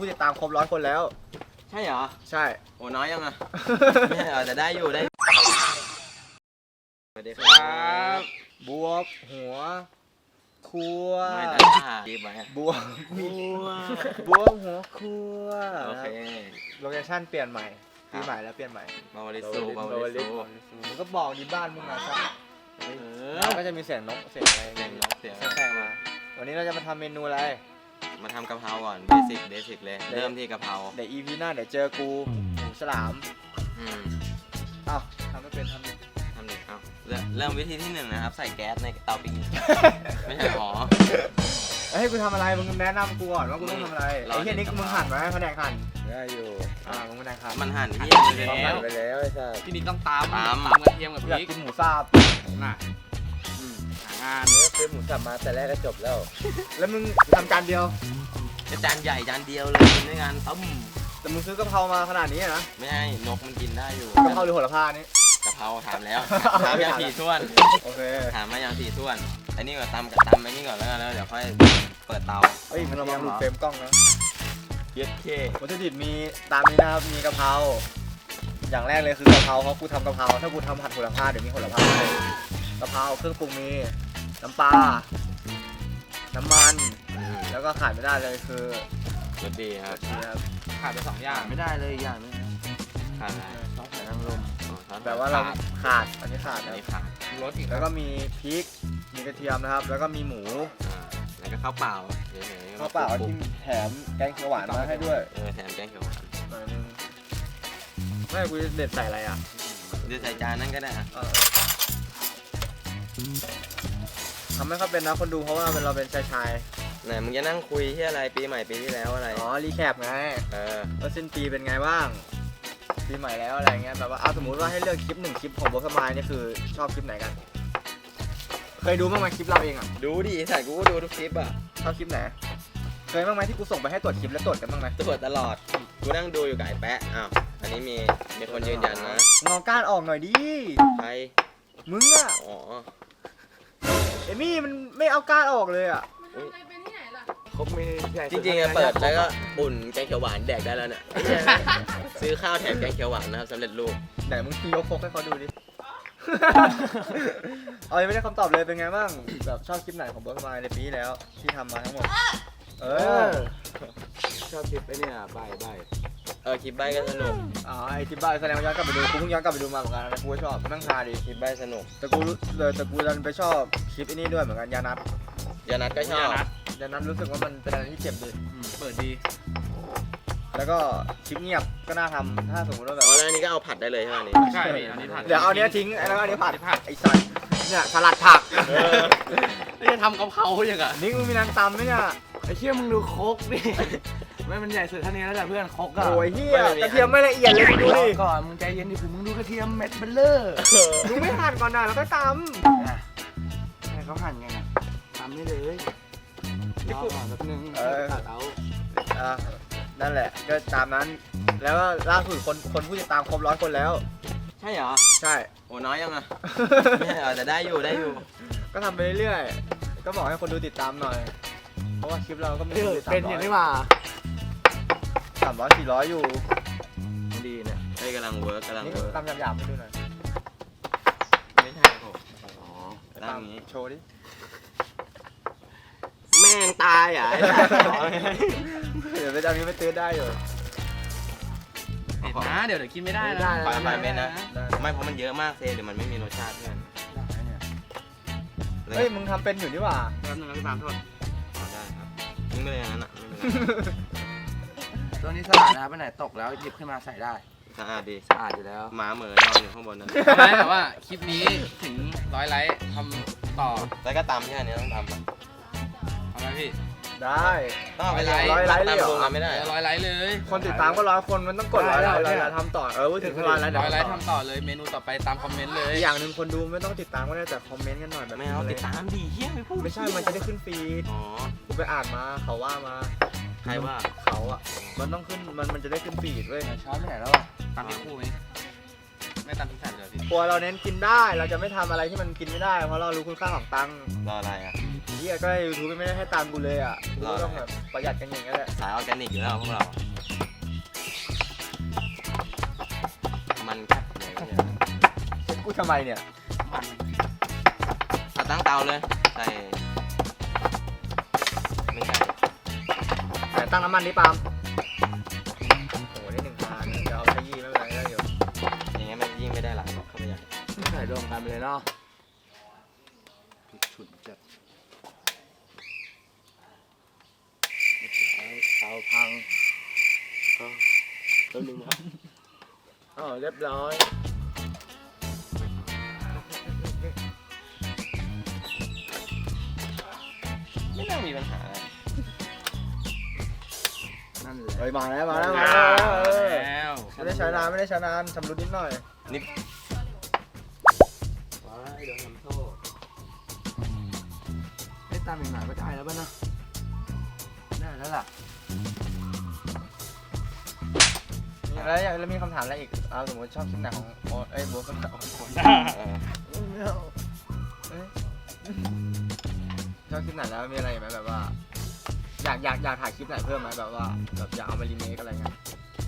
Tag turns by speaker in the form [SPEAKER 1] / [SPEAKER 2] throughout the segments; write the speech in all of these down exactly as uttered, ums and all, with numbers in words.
[SPEAKER 1] ผู้ติดตามครบร้อยคนแล้ว
[SPEAKER 2] ใช่เหรอ
[SPEAKER 1] ใช่
[SPEAKER 2] โอ้น้อยยังอ่ะไม่ใช่เหรอแต่ได้อยู่ได้สวัสดีครับ
[SPEAKER 1] บวบหัวครัว
[SPEAKER 2] ไม่ได้จีบไว้
[SPEAKER 1] บวบหัวบวบหัวครัว
[SPEAKER 2] โอเค
[SPEAKER 1] โลเคชั่นเปลี่ยนใหม่ปีใหม่แล้วเปลี่ยนใหม่
[SPEAKER 2] บาวาริสูบาวาริสู
[SPEAKER 1] มึงก็บอกดีบ้านมึงนะใช่ก็จะมีเสียงนกเสียงอะไร
[SPEAKER 2] เสียงนกเสียง
[SPEAKER 1] แค่มาวันนี้เราจะมาทำเมนูอะไร
[SPEAKER 2] มาทำกะเพราก่อนเบสิกเบสิกเลยเริ่มที่กะเพรา
[SPEAKER 1] เดี๋ยว อี พี หน้าเดี๋ยวเจอกูหมูฉลาม
[SPEAKER 2] อืม
[SPEAKER 1] เอ้าทำไม่เป็นทำดิ
[SPEAKER 2] ทำดิเอ้าเริ่มวิธีที่หนึ่งนะครับใส่แก๊สในเตาปิ้งไม่ใช่หรอ
[SPEAKER 1] ให้กูทำอะไรมึงแนะนำกูก่อนว่ากูต้องทำอะไรไอ้เหี้ยนี่มึงหั่นไหมแผนกหั่นได้อยู่อ่ามึงแผนกหั่น
[SPEAKER 2] มันหั่นที่
[SPEAKER 1] ไปแล้วไปแล้วไอ้สัส
[SPEAKER 3] ที่นี่ต้องตามตามตามกระเทียมกับพริก
[SPEAKER 1] อยากกินหมูสับ
[SPEAKER 3] น่ะหางาน
[SPEAKER 1] เนื้อซื้อหมูสับมาแต่แรกก็จบแล้วแล้วมึงทำจานเดียว
[SPEAKER 2] จานใหญ่จานเดียวเลยกินด้วยกันต้ม
[SPEAKER 1] แต่มึงซื้อกะเพรามาขนาดนี้นะ
[SPEAKER 2] ไม่ใช่นกมันกินได้อยู่
[SPEAKER 1] กะเพราหรือโหระพานี่
[SPEAKER 2] กะเพราถามแล้วถามอย่างสี่ส่วน
[SPEAKER 1] โอเค
[SPEAKER 2] ถามมาอย่างสี่ส่วนไอ้นี่ก่อนตำกับตำไอ้นี่ก่อนแล้วกันแล้วเดี๋ยวค่อยเปิดเตา
[SPEAKER 1] เฮ้ยมันระวังหลุดเฟรมกล้องนะ
[SPEAKER 2] เย็ดเค
[SPEAKER 1] วัตถุดิบมีตามนี้นะครับมีกะเพราอย่างแรกเลยคือกะเพราเพราะกูทำกะเพราถ้ากูทำผัดโหระพาเดี๋ยวมีโหระพากะเพราเครื่องปรุงมีน้ำปลาน้ำมันแล้วก็ขาดไม่ได้เลยคือ
[SPEAKER 2] รสดีครับ
[SPEAKER 3] ขาดไปสองอย่าง
[SPEAKER 2] ไม่ได้เลยอย่างนึงขาดอะไร
[SPEAKER 1] ซอสหอยนางรม
[SPEAKER 2] แ
[SPEAKER 1] ต่ว่าเราขาดอันนี้ขาด
[SPEAKER 2] อันนี้ขาด
[SPEAKER 3] รสอีก
[SPEAKER 1] แล้วก็มีพริกมีกระเทียมนะครับแล้วก็มีหมู
[SPEAKER 2] แล้วก็ข้าวเปล่า
[SPEAKER 1] ข้าวเปล่าที่แถมแกงเขียวหวานมาให้ด้วย
[SPEAKER 2] เออแถมแกงเขียวหวาน
[SPEAKER 1] หน่อยนึงไม่กูจะเด็ดใส่อะไรอ่ะ
[SPEAKER 2] เด็ดใส่จานนั่นก็ได้ฮะ
[SPEAKER 1] ทำไม่ค่อยเป็นนะคนดูเพราะว่าเราเป็นชายชาย
[SPEAKER 2] ไหนมึงจะนั่งคุยที่อะไรปีใหม่ปีที่แล้วอะไร
[SPEAKER 1] อ๋อรีแคปไง
[SPEAKER 2] เออ
[SPEAKER 1] ว่าสิ้นปีเป็นไงบ้างปีใหม่แล้วอะไรเงี้ยแบบว่าเอาสมมติว่าให้เลือกคลิปหนึ่งคลิปของโบสมายนี่คือชอบคลิปไหนกันเคยดูบ้างไหมคลิปเราเองอ่ะ
[SPEAKER 2] ดูดิใส่กูก็ดูทุกคลิปอ่ะ
[SPEAKER 1] ชอบคลิปไหนเคยบ้างไหมที่กูส่งไปให้ตรวจคลิปแล้วตรวจกันบ้างไหม
[SPEAKER 2] ตรวจตลอดกูนั่งดูอยู่กับไอ้แปะอ้าวอันนี้มีมีคนยืนยันนะ
[SPEAKER 1] งอก้านออกหน่อยดิ
[SPEAKER 2] ใคร
[SPEAKER 1] มึงอ่ะ
[SPEAKER 2] อ๋อ
[SPEAKER 1] เอมี่มันไม่เอาก้านออกเลยอ่ะ
[SPEAKER 2] เขาไม่จริงๆอะเปิดแล้วก็อุ่นแกงเขียวหวานแดกได้แล้วเนี่ยซื้อข้าวแถมแกงเขียวหวานนะครับสำเร็จรูป
[SPEAKER 1] ไหนมึงยกโฟกให้เขาดูดิเอายังไม่ได้คำตอบเลยเป็นไงบ้างแบบชอบคลิปไหนของเบิร์ดมาในปีแล้วที่ทำมาทั้งหมดเออ
[SPEAKER 2] ชอบคลิปไอ้เนี่ยใบใบเออคลิปใบก็สนุก
[SPEAKER 1] อ๋อไอคลิปใบแสดงว่าย้อนกลับไปดูกูเพิ่งย้อนกลับไปดูมาเหมือนกันกูก็ชอบนั่งทาดิ
[SPEAKER 2] คลิปใบสนุก
[SPEAKER 1] แต่กูเลยแต่กูดันไปชอบคลิปไอ้นี่ด้วยเหมือนกันยานัท
[SPEAKER 2] ยานัทก็ชอบ
[SPEAKER 1] ยานัทรู้สึกว่ามันเป็นอะไรที่เจ็บดี
[SPEAKER 3] เปิดดี
[SPEAKER 1] แล้วก็คลิปเงียบก็น่าทำถ้าสมมติว่าแบบ
[SPEAKER 2] อ๋อแล้วอันนี้ก็เอาผัดได้เลยใช่ไหมนี่
[SPEAKER 3] ใช่อันนี้ผัด
[SPEAKER 1] เดี๋ยวเอาเนี้ยทิ้งแล้วอันนี้ผัดไอ้สัตว์เนี่ยสลัดผัก
[SPEAKER 3] นี่จะทำกะเพราอย่างอ่ะ
[SPEAKER 1] นี่มึงมีน้ำตำไหมเนี่ย
[SPEAKER 3] ไอ้เชี่ยมึงดูโคกดิไม่มันใหญ่สุดเท่านี้แล้วแต่เพื่อนโคกอะ
[SPEAKER 1] โอ้ยเฮียกระเทียมไม่ละเอียดเลยดูดิ
[SPEAKER 3] ก่อนมึงใจเย็นดิมึงดูกระเทียมเม็ดเบลเลอร์
[SPEAKER 1] มึงไม่หั่นก่อนนะแล้วก็ต
[SPEAKER 3] ำให้เขาหั่นไงนะตำนี่เลยรอก่อนแป๊บนึงตัดเอา
[SPEAKER 1] อ่านั่นแหละก็ตามนั้นแล้วก็ล่าสุดคนคนผู้ติดตามครบร้อยคนแล้ว
[SPEAKER 2] ใช่เหรอ
[SPEAKER 1] ใช่
[SPEAKER 2] โอ้น้อยยังอ่ะไม่ใช่เหรอแต่ได้อยู่ได้อยู่
[SPEAKER 1] ก็ทำไปเรื่อยๆก็บอกให้คนดูติดตามหน่อยเพราะว่าคลิปเราก็ไม่ได้
[SPEAKER 3] เป็นอย่างนี้ว่า
[SPEAKER 1] สามร้อยสี่ร้อยอยู่
[SPEAKER 2] ดีเนี่ยไอ้กำลังเวิร์กกำลังเวิร์ก
[SPEAKER 1] ตามหยาบๆให้ดูหน่อย
[SPEAKER 2] ไม่ใช่ผมอ๋อ
[SPEAKER 1] ตามนี้โชว์ดิ
[SPEAKER 2] แม่งตายอ่ะ
[SPEAKER 1] เดี๋ยวไปจำนี้ไปตื้อได้อยู่
[SPEAKER 3] เห็นนะเดี๋ยวเดี๋ยวกินไม่ได้นะ
[SPEAKER 2] ปล่อยไปนะไม่เพราะมันเยอะมากเซเดี๋ยวมันไม่มีรสชาติเพื่อน
[SPEAKER 1] เฮ้ยมึงทำเป็นอยู่นี่หว่า
[SPEAKER 3] แป๊บนึงนะพี่ปามโทษ
[SPEAKER 2] ได้ครับมึงไม่เลยอย่างนั้นอ่ะ
[SPEAKER 3] ตัวนี้สะอาดนะไปไหนตกแล้วหยิบขึ้นมาใส่ได้
[SPEAKER 2] สะอาดดี
[SPEAKER 3] สะอาดอยู่แล้ว
[SPEAKER 2] หมาเหมือนนอนอยู่ข้างบนนั่น
[SPEAKER 3] ทำไมแต่ว่าคลิปนี้ถึงร้อยไลค์ทำต่อ
[SPEAKER 2] แล้วก็ตำแค่นี้ต้องตำ
[SPEAKER 3] ทำไมพี่
[SPEAKER 1] ได้
[SPEAKER 2] ต้องไปไลค์ร้อยไลค์เลยเหรอไม่ได้
[SPEAKER 3] ร้อยไลค์เลย
[SPEAKER 1] คนติดตามก็ร้อยคนมันต้องกดร้อยไลค์แล้วทำต่อเออถึงร้อยไลค์
[SPEAKER 3] ร้อยไลค์ทำต่อเลยเมนูต่อไปตามคอมเมนต์เลย
[SPEAKER 1] อย่างหนึ่งคนดูไม่ต้องติดตามก็ได้แต่คอมเมนต์กันหน่อยแบบ
[SPEAKER 2] ไม่เอาติดตามดีเฮี้ยไม่พูด
[SPEAKER 1] ไม่ใช่มันจะได้ขึ้นฟีด
[SPEAKER 2] อ๋อ
[SPEAKER 1] กูไปอ่านมาเขาว่ามา
[SPEAKER 2] ใครว่า
[SPEAKER 1] เขาอ่ะมันต้องขึ้นมันมันจะได้ขึ้นฟีดเว้ย
[SPEAKER 3] ช้อนไม่ไหนแล้วตามที่คู่ไหมไม่ตามที่ใส่เลยพี่
[SPEAKER 1] พอเราเน้นกินได้เราจะไม่ทำอะไรที่มันกินไม่ได้เพราะเรารู้คุณค่าของตังค์
[SPEAKER 2] รออะไรอ่ะ
[SPEAKER 1] ยหี้ยก็ยูทูบไม่ได้ให้ตามกูเลยอ่ะกูก็ต้องแบบประหยัดกันอย่างเงี้ยแหละ
[SPEAKER 2] สายออร์แกนิกอยู่แล้วพวกเรามันแคบเลยเนี่ย
[SPEAKER 1] กูทำไมเนี่ย
[SPEAKER 2] เอาตั้งเตาเลยใส่ไม่ใช่
[SPEAKER 1] แต่ตั้งน้ำมันดิปาล์มโอ้โหได้หนึ่งพันเดี๋ยวเอาขยี้ไม่เป็นไรได้อยู่
[SPEAKER 2] อย่างเงี้ยมันยิ่งไม่ได้หลายหรอกเข้าไปใหญ่
[SPEAKER 3] ใส่รวมกันไปเลยเนาะฉุดจัดเตาพังก็ตัวหนึ่งครับอ๋อเรียบร้อย
[SPEAKER 2] ไม่น่ามีปัญหา
[SPEAKER 3] นั่นแหละ
[SPEAKER 1] เฮ้ยมาแล้วมาแล้วมาแล้วเออ
[SPEAKER 2] แล้ว
[SPEAKER 1] ไม่ได้ใช้นานไม่ได้ใช้นานชำรุดนิดหน่อย
[SPEAKER 2] นี่
[SPEAKER 3] ว้ายโดนทำโทษไอ้ตามอีกหน่อยก็ได้แล้วป่ะเนาะได้แล้วล่ะ
[SPEAKER 1] แล้วอยากแล้วมีคำถามอะไรอีกอ่าสมมติชอบคลิปไหนของโอ๊ตเอ้ยโบ๊ทก็ได้ของโอ๊ต
[SPEAKER 2] เออ
[SPEAKER 3] ไม่เอา
[SPEAKER 1] เอ้ยชอบคลิปไหนแล้วมีอะไรไหมแบบว่า อยากอยากอยากถ่ายคลิปไหนเพิ่มไหมแบบว่าแบบอยากเอามารีเมคอะไรเงี้ย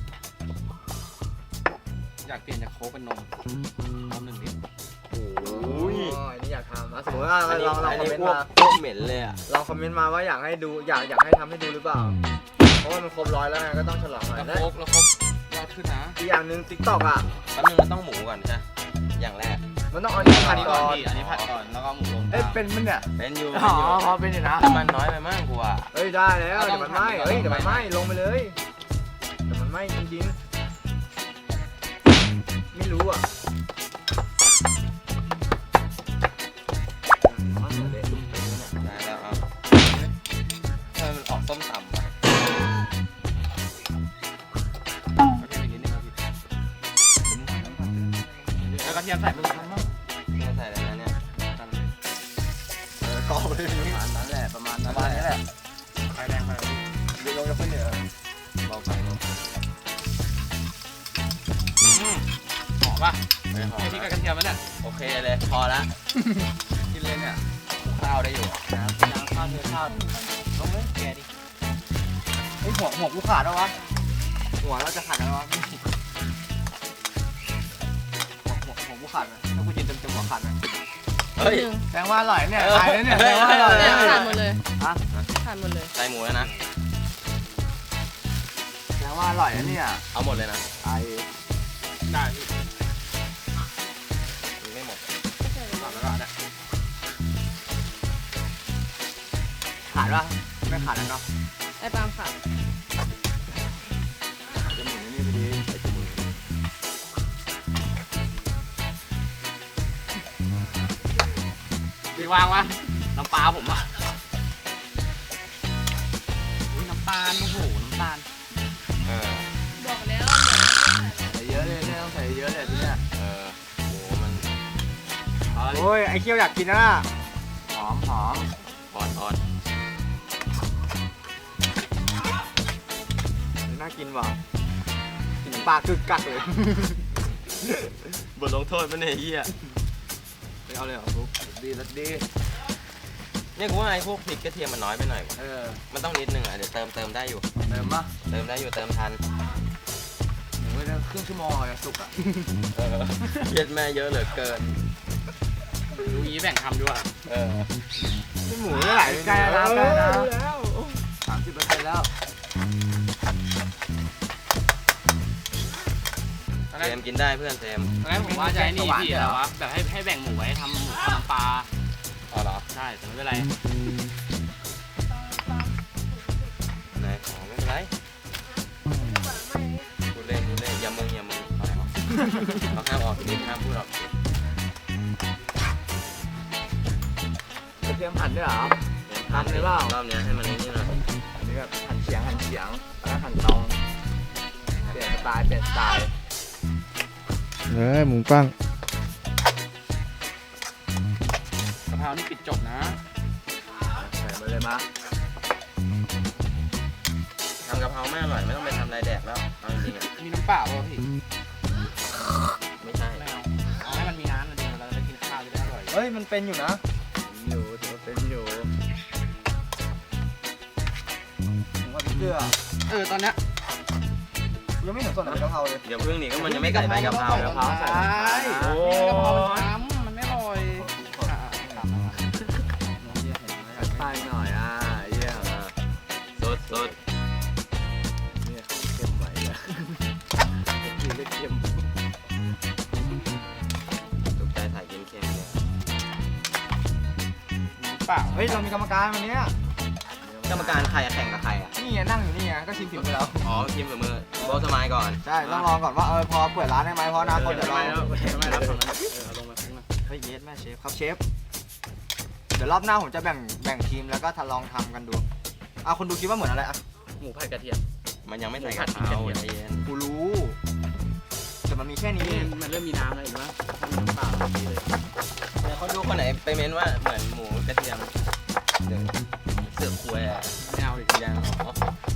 [SPEAKER 4] อยากเปลี่ยนจากโค้กเป็นนมนมหนึ่งลิตร
[SPEAKER 2] โอ้ย
[SPEAKER 1] อ๋ออันนี้อยากทำอ่ะสมมติว่า
[SPEAKER 2] อันนี้
[SPEAKER 1] ลองลอง
[SPEAKER 2] อัน
[SPEAKER 1] คอม
[SPEAKER 2] นี้
[SPEAKER 1] เมน
[SPEAKER 2] พ
[SPEAKER 1] ต์
[SPEAKER 2] วก
[SPEAKER 1] มา
[SPEAKER 2] พวกเหม็นเลยอ่ะ
[SPEAKER 1] ลองคอมเมนต์มาว่าอยากให้ดูอยากอยากให้ทำให้ดูหรือเปล่า เพราะว่ามันครบร้อยแล้วไงก็ต้องฉลองหน่อย
[SPEAKER 4] แล้ว
[SPEAKER 1] และ
[SPEAKER 4] โค้กแล้วโค้กยอดขึ้นนะ
[SPEAKER 1] อีกอย่างหนึ่งติ๊กต็อกอ่ะ
[SPEAKER 2] แป๊บนึงมันต้องหมูก่อนใช่ไหมอย่างแรก
[SPEAKER 1] มันต้องเอาอันนี้
[SPEAKER 4] อั
[SPEAKER 1] ผั
[SPEAKER 4] น
[SPEAKER 1] ด
[SPEAKER 4] นี้
[SPEAKER 1] ก่
[SPEAKER 4] ก่
[SPEAKER 1] อ
[SPEAKER 4] อน
[SPEAKER 1] น
[SPEAKER 4] พี่อันนี้ผัดก่อนแล้วก็หมูลง
[SPEAKER 3] เอ้ย
[SPEAKER 4] ตาม
[SPEAKER 3] เป็นมันเนี่ย
[SPEAKER 2] เป็นอยู่
[SPEAKER 3] อ๋
[SPEAKER 2] เป็นอยู่
[SPEAKER 3] อพอเป็นอยู่นะ
[SPEAKER 2] แต่มันน้อยไปมากกว่า
[SPEAKER 1] เอ้ยได้แล้วเดี๋ยวมันไหม้เอ้ยเดี๋ยวมันไหม้ลงไปเลยเดี๋ยวมันไหม้จริงๆไม่รู้อ่ะ
[SPEAKER 2] ได้แล้วเอาถ้ามันออกส้มตำอ่ะ
[SPEAKER 4] โอเคอีกนิดนึงครับพี่แล้วกระเทียมใส่มึงทำมั้ง
[SPEAKER 2] ไม่ใส่เลยนะเนี่ย
[SPEAKER 4] ทำเลย
[SPEAKER 1] กรอบเลย
[SPEAKER 3] ประมาณนั้นแหละประมาณ
[SPEAKER 1] ป
[SPEAKER 3] นั้น
[SPEAKER 1] ระมาณนี้แหละ
[SPEAKER 4] ไฟแดงไป
[SPEAKER 1] เดี๋ยวลงจะขึ้นเหนือ
[SPEAKER 2] เบาไปเบาไป
[SPEAKER 4] อืมหอมป่ะ
[SPEAKER 2] ไม่หอม
[SPEAKER 4] ไอ้พริกกับกระเทียมมันเนี่ย
[SPEAKER 2] โอเคเลยพอละ
[SPEAKER 4] กินเลยเนี่ย
[SPEAKER 2] ข้าวได้อยู่อะ
[SPEAKER 3] ยางข้าวเทข้าว
[SPEAKER 4] ลงเลยแกดิ
[SPEAKER 1] ไอ้ยหัวหัวกูขาดแล้ววะ
[SPEAKER 3] หัวเราจะขาดแล้ววะ
[SPEAKER 1] หัวหัวหัวกูขาดไหมถ้ากูกินเต็มเต็มหัวขาดไหม
[SPEAKER 2] เฮ้ย
[SPEAKER 3] แสดงว่าอร่อยเนี่ย
[SPEAKER 2] เออ
[SPEAKER 3] ตายแล้วเนี่ยแสดงว่าอร่อย
[SPEAKER 5] เนี่
[SPEAKER 3] เนี่ย ย
[SPEAKER 5] ขาดหมดเลย
[SPEAKER 3] ฮะ
[SPEAKER 5] ขาดหมดเลย
[SPEAKER 2] ใส่หมูแล้วนะ
[SPEAKER 3] แสดงว่าอร่อยนะเนี่ย
[SPEAKER 2] เอาหมดเลยนะ
[SPEAKER 3] ไอ
[SPEAKER 4] ได้
[SPEAKER 2] มันไม่หมด
[SPEAKER 4] ขาดแล้วก็ได้
[SPEAKER 1] ขาดปะไม่ขาดแล้วเนาะ
[SPEAKER 5] ไอ้ปาล์มขาด
[SPEAKER 3] จะหมุนนี่พอดีใส่จมูก
[SPEAKER 4] พี่วางวะน้ำปลาผมอ่ะอุ้ยน้ำตาลโอ้โหน้ำตาล
[SPEAKER 2] เออ
[SPEAKER 5] บอกแล้ว
[SPEAKER 3] ใส่เยอะเลยเนี่ยต้องใส่เยอะเลยทีเนี้ย
[SPEAKER 2] เออโหมัน
[SPEAKER 3] เอาดิ
[SPEAKER 1] โอ้ยไอ้เคี้ยวอยากกินนะ
[SPEAKER 3] หอมหอม
[SPEAKER 2] อ่อนอ่อน
[SPEAKER 1] น่ากินว่ะกินปลากึกกักเลย
[SPEAKER 2] บทลงโทษมันเนี่ยเฮีย
[SPEAKER 3] ไม่เอาเลยเหรอฟุกดีรสดี
[SPEAKER 2] เนี่ยกูว่าไอ้พวกพริกกระเทียมมันน้อยไปหน่อยวะ
[SPEAKER 3] เออ
[SPEAKER 2] มันต้องนิดนึงอ่ะเดี๋ยวเติมเติมได้อยู่
[SPEAKER 3] เติมปะ
[SPEAKER 2] เติมได้อยู่เติมทัน
[SPEAKER 3] หมูเนี่ยครึ่งชั่วโมงอะจะสุกอ่ะ
[SPEAKER 2] เออเครียดแม่เยอะเหลือเกิน
[SPEAKER 4] ดูอีแบ่งทำด้วย
[SPEAKER 2] เออ
[SPEAKER 1] หมูไม่ไหล
[SPEAKER 3] ใกล้แล้วใกล้แล้ว
[SPEAKER 1] แล้ว
[SPEAKER 3] สามสิบเปอร์เซ็นต์แล้ว
[SPEAKER 4] ตอน
[SPEAKER 2] เจ
[SPEAKER 4] แรก
[SPEAKER 2] มส์กินได้เพื่อนเจมส์
[SPEAKER 4] ตอนแรกผมว่าจะให้นี่พี่อะไรวะแบบให้ให้แบ่งหมูไว้ทำหมูทำน้ำปลา
[SPEAKER 2] อ๋อเหรอ
[SPEAKER 4] ใช่แต่ไม่เป็นไร
[SPEAKER 2] ไหนอ๋อไม่เป็นไรพูดเล่นพูดเล่นอย่ามึงอย่ามึงเอาออกเราห้ามออกนิดห้ามพูดออก
[SPEAKER 3] กระเทียมหั่นด้วยเหรอ
[SPEAKER 2] ทำเลยเปล่ารอบเนี้ยให้มันนี่หน่อย
[SPEAKER 3] อันนี้แบบหั่นเฉียงหั่นเฉียงแล้วหั่นตรงเปลี่ยนสไตล์เปลี่ยนสไตล์
[SPEAKER 1] เอ้ยหมูปั้ง
[SPEAKER 4] กะเพรานี่ปิดจบนะ
[SPEAKER 3] ใส่มาเลยมา
[SPEAKER 2] ทำกะเพราไม่อร่อยไม่ต้องไปทำอะไรแดกแล้วเอาจริงๆอ่ะ
[SPEAKER 4] มีน้ำเปล่าป่ะพี่
[SPEAKER 2] ไม่ใช่
[SPEAKER 4] ไม่เอาเอาให้มันมีน้ำนะเดี๋ยวเราจะกินข้าวจะได้อร่อย
[SPEAKER 1] เฮ้ยมันเป็นอยู่นะ
[SPEAKER 3] อยู่ถือว่าเป็นอยู่
[SPEAKER 1] เลยอ่ะ
[SPEAKER 3] เออตอนเนี้ย
[SPEAKER 1] ยังไม่เห็นส่วนไหนเป็นกะเพราเลย
[SPEAKER 2] เดี๋ยวพึ่งนี่ก็มันยังไม่ใส่ใบกะเพรา
[SPEAKER 3] กะเพราใส่กะเพราช้ำมันไม่อร่อย
[SPEAKER 2] ใส่หน่อยอ่ะเยี่ยมสดสด
[SPEAKER 3] เนี่ยเข้มไหวอะกินเล็กเข้ม
[SPEAKER 2] ถูกใจใส่เค็มเค็มเนี่ย
[SPEAKER 3] เปล่า
[SPEAKER 1] เฮ้ยเรามีกรรมการวันนี้
[SPEAKER 2] กรรมการใครอะแข่งกับใครอ่ะ
[SPEAKER 1] นี่ไงนั่งอยู่นี่ไงก็ชิมฝีมือเรา
[SPEAKER 2] อ๋อทีมกับมือโบสมายก่อน
[SPEAKER 1] ใช่ต้องลองก่อนว่าเออพอเปิดร้านได้ไหมเพราะอนาคตเดี๋ยวเรา
[SPEAKER 3] ทำไมรับฝั่งนั้นเออเอาลงมาข้างหน้า
[SPEAKER 1] เฮ้ยเยสแม่เชฟครับเชฟเดี๋ยวรอบหน้าผมจะแบ่งแบ่งทีมแล้วก็ทดลองทำกันดูอ่ะคนดูคิดว่าเหมือนอะไรอ่ะ
[SPEAKER 4] หมูผัดกระเทียม
[SPEAKER 2] มันยังไม่ใส่กะเพราใจเย็น
[SPEAKER 1] กูรู้แต่มันมีแค่นี้
[SPEAKER 4] นี่มันเริ่มมีน้ำแล้วเห็นไหมถ้ามีน้ำเปล่าแบบนี้เลย
[SPEAKER 2] เดี๋ยวเขาดูคนไหนไปเม้นว่าเหมือนหมูกระเทียมเดี๋ยวเสือกคุยอ่ะ
[SPEAKER 4] ไม่เอาดิ
[SPEAKER 2] ยังอ๋อ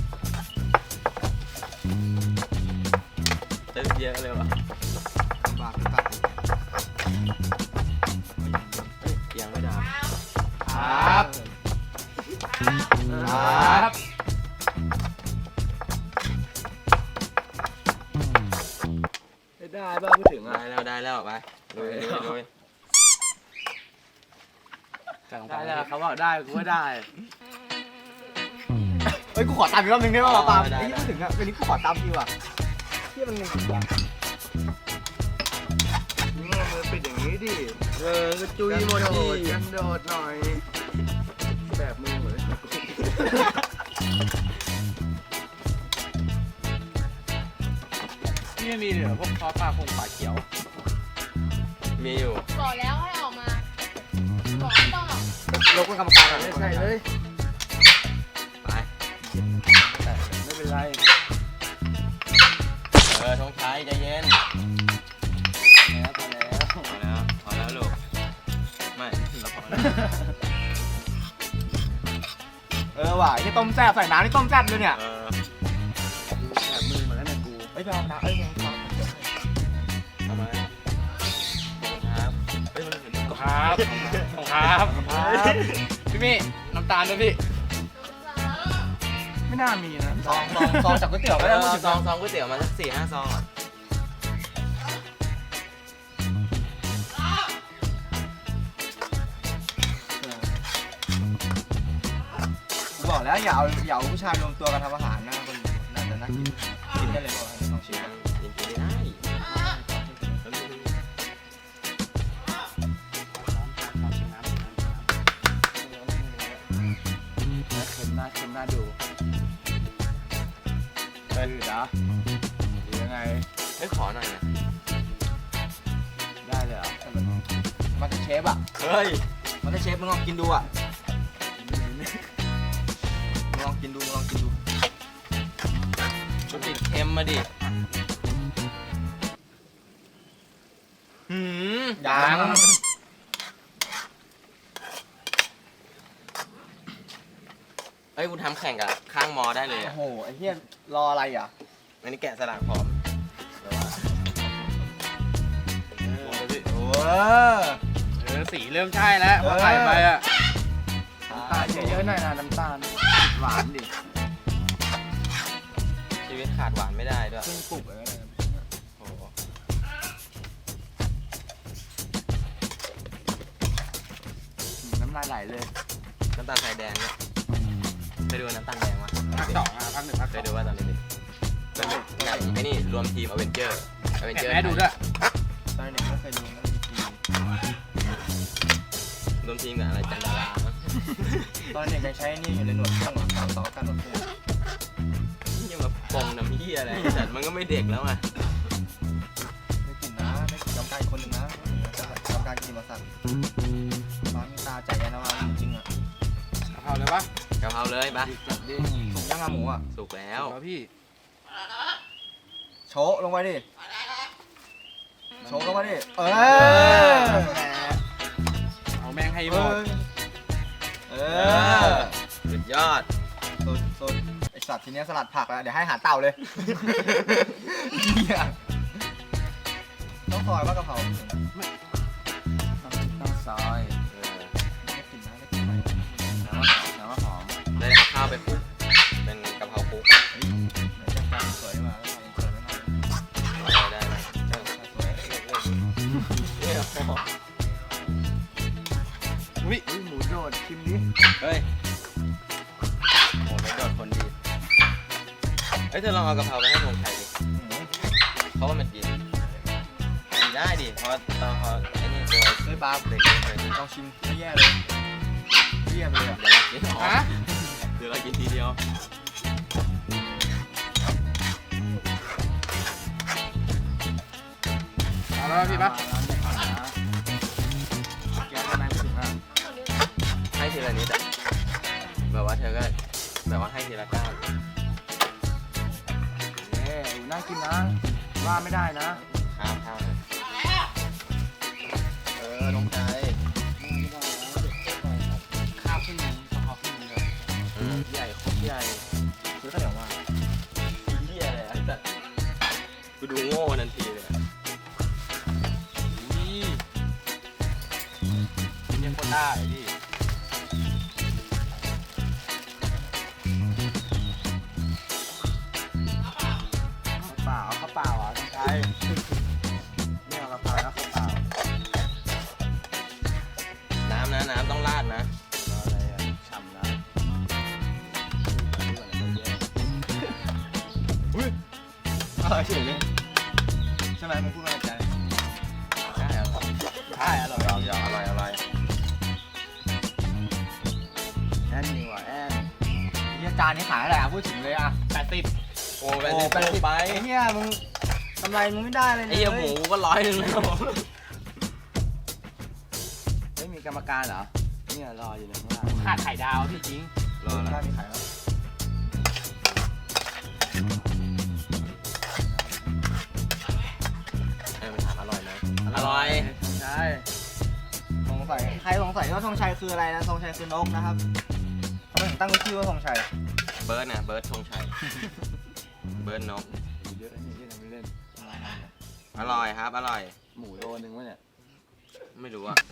[SPEAKER 2] ตึ๊บเยอะเลยว่ะ
[SPEAKER 1] บาปหรือเปล่า
[SPEAKER 2] เอ้ยยังไม่ดับ
[SPEAKER 1] ครับครับ
[SPEAKER 3] ได้บ้างพูดถึงอ่ะ
[SPEAKER 2] ได้แล้วได้แล้วไปลุยลุยลุย
[SPEAKER 3] ได้แล้วเขาบอกได้กูก็ได้
[SPEAKER 1] เฮ้ยกูขอตามอีกรอบนึงได้ป่าวปาล์มไอ้ที่พูดถึงอ่ะวันนี้กูขอตามทีว่ะที่มัน
[SPEAKER 3] นี่มือปิดอย่างนี้ดิ
[SPEAKER 2] เออก็จุยหมดดิ
[SPEAKER 3] กันโดดหน่อย แบบมือเหมือน
[SPEAKER 4] นี่มีเหลือพวกซอสปลาคงปลาเขียว
[SPEAKER 2] มีอยู่
[SPEAKER 5] บอกแล้วให้ออกมา บอกต่อ
[SPEAKER 1] ลงเป็นกรรมการอ่ะ
[SPEAKER 3] ไม่ใช่เลย
[SPEAKER 2] ไป
[SPEAKER 3] ไม่เป็นไร
[SPEAKER 2] เออทงชัยใจเย็น
[SPEAKER 3] แล้วพอแล้ว
[SPEAKER 2] พอแล้วพอแล้วลูกไม่เราพอแล้ว
[SPEAKER 1] เออว่ะไอ้ต้มแซ่บใส่น้ำนี่ต้มแซ่บเลยเนี่ย
[SPEAKER 2] เออ
[SPEAKER 3] แบบมือเหมือนแล้วเนี่ยกู
[SPEAKER 1] เฮ้ยไปเอาน้ำเอ้ยเอาน้ำเดี๋ยวให้
[SPEAKER 2] ทำไมครับเฮ้ยมันเหมือน
[SPEAKER 4] ครับของครับพี่มี่น้ำตาลด้วยพี่
[SPEAKER 3] ไม่น่ามีนะ
[SPEAKER 1] ซองซองซองจากก๋วยเตี๋ยว
[SPEAKER 2] เอ
[SPEAKER 1] ไม่ได้
[SPEAKER 2] อ
[SPEAKER 1] พูดถึง
[SPEAKER 2] ซองซองก๋วยเตี๋ยวมาสักสี่ห้าซองอ่ะ
[SPEAKER 1] กูบอกแล้วอย่าเอาอย่าเอาผู้ชายรวมตัวกันทำอาหารนะคนน่าจะน่ากินกินได้เลยป่ะลองชิม
[SPEAKER 2] ยั
[SPEAKER 1] นะ
[SPEAKER 2] งยังกินไม่ได้
[SPEAKER 3] เค็มน่าเค็มน่าดู
[SPEAKER 1] เออจ้ะ
[SPEAKER 3] หรือยังไง
[SPEAKER 2] เฮ้ยขอหน่อยนะ
[SPEAKER 3] ได้เลยเหรอ
[SPEAKER 1] มันจะเชฟอ่ะ
[SPEAKER 2] เฮ้ย
[SPEAKER 1] มันจะเชฟมึงลองกินดูอ่ะมึงลองกินดูมึงลองกินดู
[SPEAKER 2] มันติดเค็มมาดิหืม
[SPEAKER 1] ยัง
[SPEAKER 2] เฮ้ยกูทำแข่งกับข้างมอได้เลย
[SPEAKER 1] โอ้
[SPEAKER 2] อ่ะ
[SPEAKER 1] โหไอ้เหี้ยรออะไรอ่ะ
[SPEAKER 2] อันนี้แกะสลักพร้อมแต่ว่า
[SPEAKER 1] โอ้
[SPEAKER 4] เออสีเริ่มใช่แล้วพอใส่ไปอ่ะ
[SPEAKER 3] น้ำตาลเยอะๆหน่อยนะน้ำตาลหวานดิ
[SPEAKER 2] ชีวิตขาดหวานไม่ได้ด้วย
[SPEAKER 1] เพิ่งปลุกเลยนะ
[SPEAKER 2] โอ้โห
[SPEAKER 3] น้ำลายไหลเลย
[SPEAKER 2] น้ำตาลทรายแดงเนี่ยเคยดูน้ำตาลแดงวะ
[SPEAKER 4] ภาคสองอ่ะภาคหนึ่งภาค
[SPEAKER 2] เค
[SPEAKER 4] สอย ง
[SPEAKER 2] ดูว่าตอนเด็กๆเป็นไก่ไอ้นี่รวมทีมอเวนเจอร์อเวน
[SPEAKER 4] แกะ
[SPEAKER 2] เจอร์
[SPEAKER 4] แม่ดูด้วย
[SPEAKER 1] ตอนเด็กไม่เคยดูนะ
[SPEAKER 2] รวมทีมกับอะไรจันดารา
[SPEAKER 1] ตอนเด็กยังใช้นี่อยู่ในหนวดเครื่องหนวดสาวต่อกันหนวดคู่
[SPEAKER 2] ยังมาปงน้ำเหี้ยอะไรแต่มันก็ไม่เด็กแล้วอ่ะ
[SPEAKER 1] ไม่กินนะไม่กินกำไก่คนหนึ่งนะกำไก่กินมาสั่นร้านมีตาใจแย่นะว่าจริงๆอ่ะ
[SPEAKER 4] กะเพราเลยปะ
[SPEAKER 2] กะเพราเลยปะ
[SPEAKER 3] จัดดิ
[SPEAKER 1] สุกย่างอาหมูอ่ะ
[SPEAKER 2] สุกแล้ว
[SPEAKER 4] แล้วพี่
[SPEAKER 1] โชะลงไปดิโชะลงไปดิเออ
[SPEAKER 4] เอาแม่งให้หมด
[SPEAKER 1] เอ
[SPEAKER 2] เอ
[SPEAKER 1] อ
[SPEAKER 2] อสุดยอด
[SPEAKER 1] สุดสุดไอสัตว์ทีเนี้ยสลัดผักแล้วเดี๋ยวให้อาหารเต่าเลยเหี้ยต้องซอยว่ากะเพรา
[SPEAKER 3] ต้องซอย
[SPEAKER 2] เออ
[SPEAKER 1] ไม่กินนะไม่กินไป
[SPEAKER 3] น้ำมะขามน้ำมะหอม
[SPEAKER 2] ได้เอาข้าวไปคลุกเป็นกะเพราคลุกเอ้ยเธอลองเอากะเพราไปให้ธงชัยดิเพราะว่ามันกินกินได้ดิเพราะตอนเขาไอ้นี่ตัว
[SPEAKER 1] เฮ้ยบาร์
[SPEAKER 2] เด็กๆเลย
[SPEAKER 1] ลองชิมไม่แย่เลยเยี่ยมเลยอ่ะ
[SPEAKER 2] เดี๋ยวเรากินอ๋อ
[SPEAKER 4] ฮะ
[SPEAKER 2] เดี๋ยวเรากินทีเดียว
[SPEAKER 4] เอาแล้วพี่ปะ
[SPEAKER 3] แกทำไมไม่ถึงอ่ะ
[SPEAKER 2] ให้ทีละนิดอะแบบว่าเธอก็แบบว่าให้ทีละก้าว
[SPEAKER 3] เอ้ยน่ากินนะว่าไม่ได้นะ
[SPEAKER 2] ข้าวข้าวเลย
[SPEAKER 1] เออลงใจ
[SPEAKER 3] ข้าวขึ้นนึงกะเพราขึ้นนึงเลย
[SPEAKER 2] อืม
[SPEAKER 3] ใหญ่โคตรใหญ่
[SPEAKER 1] ซื้อข้าวเหนียวมา
[SPEAKER 2] เหี้ยอะไรอ่ะแต่กูดูโง่ทันทีเลยอะ
[SPEAKER 4] นี่
[SPEAKER 3] ยังคนได้พี่เปล่าข้าวเปล่าอ่ะใช่ไม่เอากะเพราแล้วข้าวเปล่า
[SPEAKER 2] น้ำนะน้ำต้องราดนะ
[SPEAKER 3] อะไรอ่ะฉ่ำนะ
[SPEAKER 1] อร่อยเฉยเลยใช่ไหมมึงพูดมาจากใจ
[SPEAKER 2] ใช่อร่อย
[SPEAKER 3] ใช่อร่อย
[SPEAKER 2] ยอมยอมอร่อยอร่อย
[SPEAKER 3] แอนนี่ว่ะแอน
[SPEAKER 1] เฮียจานนี้ขายอะไรอ่ะพูดถึงเลยอ่ะ
[SPEAKER 4] แปดสิบ
[SPEAKER 2] โอ้ไปสิไปสิไป
[SPEAKER 1] ไอ้เฮียมึงกำไรมึงไม่ได้เลย
[SPEAKER 2] ไอ้เหี้ยหมูก็ร้อยหนึ่งแล้ว
[SPEAKER 3] ไม่มีกรรมการเหรอเนี่ยรออยู่ในข้างล่าง
[SPEAKER 4] ขาดไข่ดาวพี่จริง
[SPEAKER 2] รอ
[SPEAKER 1] ถ้า
[SPEAKER 2] นะ
[SPEAKER 1] มีขายแล้ว
[SPEAKER 2] เออมันถามอร่อยไหมอร่อย
[SPEAKER 3] ใช่
[SPEAKER 1] สงสัยใครสงสัยว่าธงชัยคืออะไรนะธงชัยคือนกนะครับทำไมถึงตั้งชื่อว่าธงชัย
[SPEAKER 2] เบิร์ดนะเบิร์ดธงชัยเบิร์ดนก
[SPEAKER 3] เยอะนี่ที่ทำไม่เล่น
[SPEAKER 2] อร่อยครับอร่อย
[SPEAKER 3] หมูโลนึงวะเนี่ย
[SPEAKER 2] ไม่รู้อ่ะ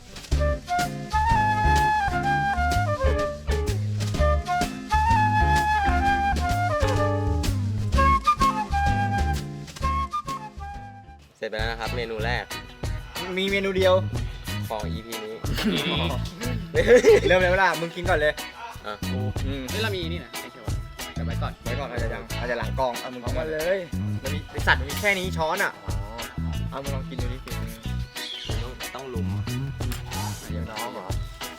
[SPEAKER 2] เสร็จไปแล้วนะครับเมนูแรก
[SPEAKER 1] มีเมนูเดียว
[SPEAKER 2] ของ อี พี นี้
[SPEAKER 1] เริ่มเลยเวลามึงกินก่อนเลย
[SPEAKER 2] อ่ะ
[SPEAKER 1] อืม
[SPEAKER 4] เฮ้ยเรามีนี่นะไอ้เขียวเดี๋ยวไว้ก่อน
[SPEAKER 1] ไว้ก่อนอาจจะยังอาจจะหลังกองเอามึง
[SPEAKER 3] เอา
[SPEAKER 1] กิน
[SPEAKER 3] มา
[SPEAKER 1] ก่อน
[SPEAKER 3] เล
[SPEAKER 1] เลย
[SPEAKER 3] ย
[SPEAKER 1] มันมีไอสัตว์มันมีแค่นี้ช้อนอ่ะเอามึงลองกินดูดิกิน
[SPEAKER 2] ต้องต้องลุม
[SPEAKER 1] เดี๋ยวน้องเหรอ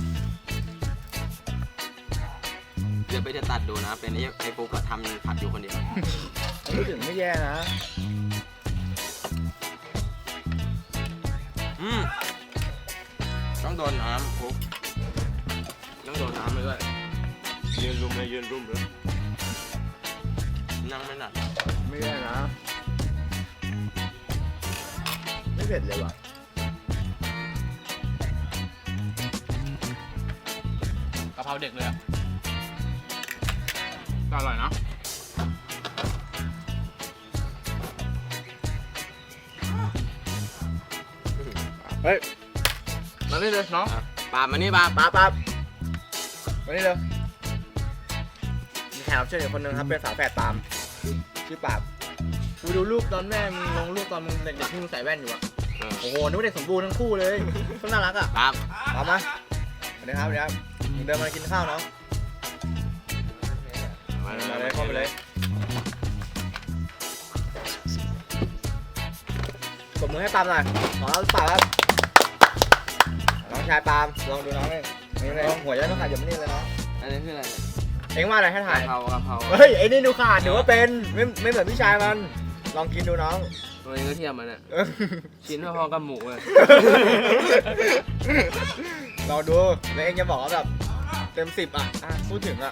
[SPEAKER 2] เดี๋ยวไปจะตัดดูนะ เป็นไอ้ไอ้ปุ๊กก็ทำผัดอยู่คนเดียว
[SPEAKER 3] พูดถึงไม่แย่นะ
[SPEAKER 2] อืมต้องโดนน้ำปุ๊กต้องโดนน้ำไปด้วยยืนรุมเลยยืนรุมเลยนั่งไม่หนัก
[SPEAKER 3] ไม่แย่นะ ไม่เผ็ดเลยว่ะ
[SPEAKER 4] กะเพราเด็กเลยอะก็อร่อยเนาะ
[SPEAKER 1] เฮ้ย
[SPEAKER 4] มาเลยเลยน้อง
[SPEAKER 2] อ่ะปาบมานี่ปาบ
[SPEAKER 1] ป๊าป๊ามานี่เร็วมีแขกรับเชิญอีกคนนึงครับเป็นสาวแฝดปามชื่อปาบกูดูรูปตอนแม่มึงลงรูปตอนมึงเด็กๆที่มึงใส่แว่นอยู่อะ
[SPEAKER 2] เออ
[SPEAKER 1] โอ้โหนึกว่าเด็กสมบูรณ์ทั้งคู่เลยก็น่ารักอ่ะ
[SPEAKER 2] ปาบ
[SPEAKER 1] พร้อมไหมสวัสดีครับสวัสดีครับมึงเดินมากินข้าวเนาะ
[SPEAKER 2] มา
[SPEAKER 1] มาเลยเข้าไปเลยกดมือให้ปาล์มหน่อยขอรับปาล์มครับน้องชายปาล์มลองดูน้องนี่นี่เลยหัวจะต้องขาดอยู่ไม่นี่เลยเนาะ
[SPEAKER 2] อันนี้คืออะไร
[SPEAKER 1] เอ็งว่าอะไรให้ถ่าย
[SPEAKER 2] กะเพรากะเพรา
[SPEAKER 1] เฮ้ยไอ้นี่ดูขาดถือว่าเป็นไม่ไม่เหมือนพี่ชายมัน ลองกินดูน้อง
[SPEAKER 2] ตัวนี้ก็เทียมมันอ่ะ
[SPEAKER 1] เออ
[SPEAKER 2] ชิ้นพอๆกับหมูเลย
[SPEAKER 1] ลองดูแล้วเอ็งจะบอกว่าแบบเต็มสิบอ่ะอ่ะพูดถึงอ่ะ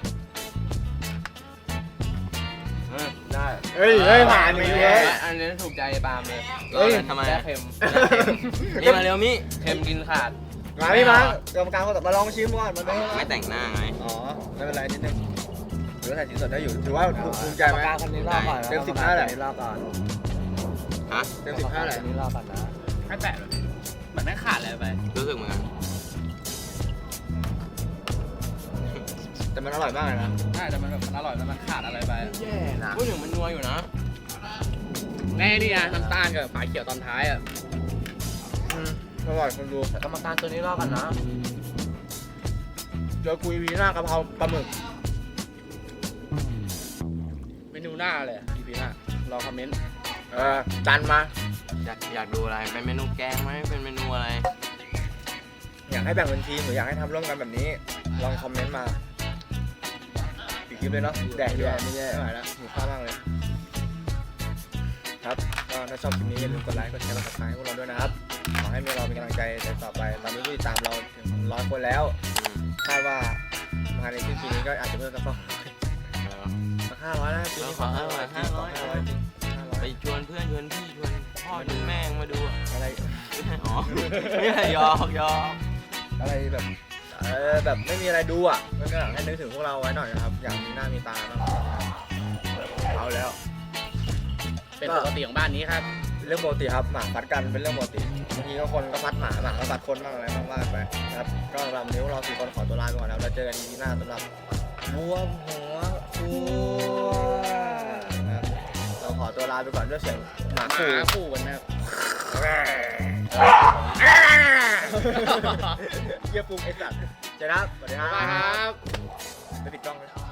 [SPEAKER 3] ได้
[SPEAKER 1] เฮ้ยเฮ้ยผ่านไปเลย
[SPEAKER 2] อันนี้ถูกใจปาล์มเลย
[SPEAKER 1] เฮ้ย
[SPEAKER 2] ทำไม
[SPEAKER 4] แซ่
[SPEAKER 2] อะ
[SPEAKER 4] เค็ม
[SPEAKER 2] นี่มาเร็วมิ
[SPEAKER 4] เค็มกินขาด
[SPEAKER 1] มาพี่มากรรมการคนต่อมาลองชิมก่อนมาดู
[SPEAKER 2] ไม่แต่งหน้าไง
[SPEAKER 1] อ๋อไม่เป็นไรนิดนึงถือว่าถ่ายชิ้นสดได้อยู่ถือว่าภูมิใจไหม
[SPEAKER 3] กรรมการคนนี้รอบก่อน
[SPEAKER 1] เต็มสิบห้าเลย
[SPEAKER 3] คนนี้รอบก่อน
[SPEAKER 2] ฮะ
[SPEAKER 1] เต็มสิบห้าเลย
[SPEAKER 3] คนนี้รอบก่อนนะ
[SPEAKER 4] ไม่แปะเลยเหมือนไม่ขาดอะไรไป
[SPEAKER 2] รู้สึกเหมือนกัน
[SPEAKER 1] แต่มันอร่อยมากเลยนะ
[SPEAKER 4] ใช่แต่มันแบบมันอร่อยแต่มันขาดอะไรไปอะ
[SPEAKER 3] แย่นะ
[SPEAKER 2] พูดถึงมันนัวอยู่นะ
[SPEAKER 4] แน่นี่นะน้ำตาลกับฝาเขียวตอนท้ายอ่ะ
[SPEAKER 1] อืมอร่อยคนดู
[SPEAKER 3] กรรมการตัวนี้รอบก่อนนะ
[SPEAKER 1] เจอกุยวีหน้ากะเพราปลาหมึก
[SPEAKER 4] เมนูหน้าเลยอะ อีพีหน้ารอคอมเมนต์
[SPEAKER 1] เออจันมา
[SPEAKER 2] อยากอยากดูอะไร เป็นเมนูแกงไหมเป็นเมนูอะไร
[SPEAKER 1] อยากให้แบ่งเป็นทีมหรืออยากให้ทำร่วมกันแบบนี้ ลองคอมเมนต์มาปิดคลิปเลยเนาะแดกดีกว่าไม่แย่ไม่ไหวแล้วหิวข้าวมากเลยครับก็ถ้าชอบคลิปนี้อย่าลืมกดไลค์กดแชร์กดติดตามให้พวกเราด้วยนะครับขอให้มีเรามีกำลังใจในต่อไปตอนนี้ผู้ติดตามเราถึงร้อยคนแล้วคาดว่าภายในสิ้นปีนี้ก็อาจจะเพิ่มสักสองร้อยสักห้าร้อยนะปีนี้ขอห้าร้อยห้าร้อยห้าร้อยจริงห้าร้อย
[SPEAKER 2] ไปชวนเพื่อนชวนพี่ชวนพ่อชวนแม่งมาดูอะ
[SPEAKER 1] อะไร
[SPEAKER 2] อ๋อไม่ใช่ยอกยอก
[SPEAKER 1] อะไรแบบเออแบบไม่มีอะไรดูอ่ะมันก็อยากให้นึกถึงพวกเราไว้หน่อยนะครับอยากมีหน้ามีตาบ้างเอาแล้ว
[SPEAKER 4] เป็นปกติของบ้านนี้ครับ
[SPEAKER 1] เรื่องปกติครับหมาฟัดกันเป็นเรื่องปกติบางทีก็คนก็ฟัดหมาหมาก็ฟัดคนบ้างอะไรบ้างว่ากันไปครับก็สำหรับวันนี้พวกเราสี่คนขอตัวลาไปก่อนแล้วเราเจอกันอีพีหน้าสำหรับบัวหัวบัวนะครับเราขอตัวลาไปก่อนด้วยเสียงหมา
[SPEAKER 4] ห
[SPEAKER 1] ขู่
[SPEAKER 4] มาคู่กันนะครับ
[SPEAKER 1] เยี่ยปุ่มไอ้สัตว์เจอครับสวัสดีครับ
[SPEAKER 4] บ๊ายบายครับ
[SPEAKER 1] ไปปิดกล้องเลย